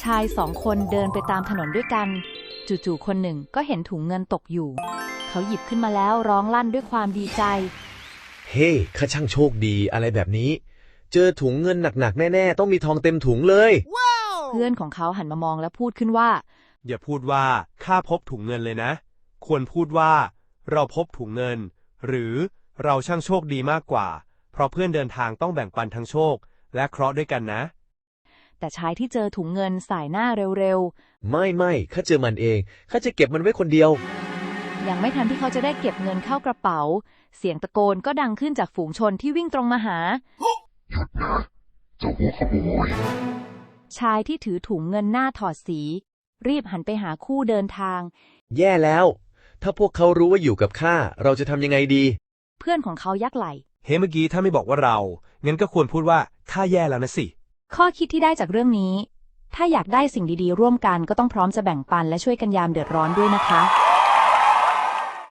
ชายสองคนเดินไปตามถนนด้วยกันจู่ๆคนหนึ่งก็เห็นถุงเงินตกอยู่เขาหยิบขึ้นมาแล้วร้องลั่นด้วยความดีใจเฮ้ข้าช่างโชคดีอะไรแบบนี้เจอถุงเงินหนักๆแน่ๆต้องมีทองเต็มถุงเลยเพื่อนของเขาหันมามองแล้วพูดขึ้นว่าอย่าพูดว่าข้าพบถุงเงินเลยนะควรพูดว่าเราพบถุงเงินหรือเราช่างโชคดีมากกว่าเพราะเพื่อนเดินทางต้องแบ่งปันทั้งโชคและเคราะห์ด้วยกันนะแต่ชายที่เจอถุงเงินสายหน้าเร็วๆไม่ข้าเจอมันเองข้าจะเก็บมันไว้คนเดียวยังไม่ทันที่เขาจะได้เก็บเงินเข้ากระเป๋าเสียงตะโกนก็ดังขึ้นจากฝูงชนที่วิ่งตรงมาหาหยุดนะเจ้าหัวขโมยชายที่ถือถุงเงินหน้าถอดสีรีบหันไปหาคู่เดินทางแย่แล้วถ้าพวกเขารู้ว่าอยู่กับข้าเราจะทำยังไงดีเพื่อนของเขายักไหล่เฮ้เมื่อกี้ถ้าไม่บอกว่าเรางั้นก็ควรพูดว่าข้าแย่แล้วนะสิข้อคิดที่ได้จากเรื่องนี้ถ้าอยากได้สิ่งดีๆร่วมกันก็ต้องพร้อมจะแบ่งปันและช่วยกันยามเดือดร้อนด้วยนะคะ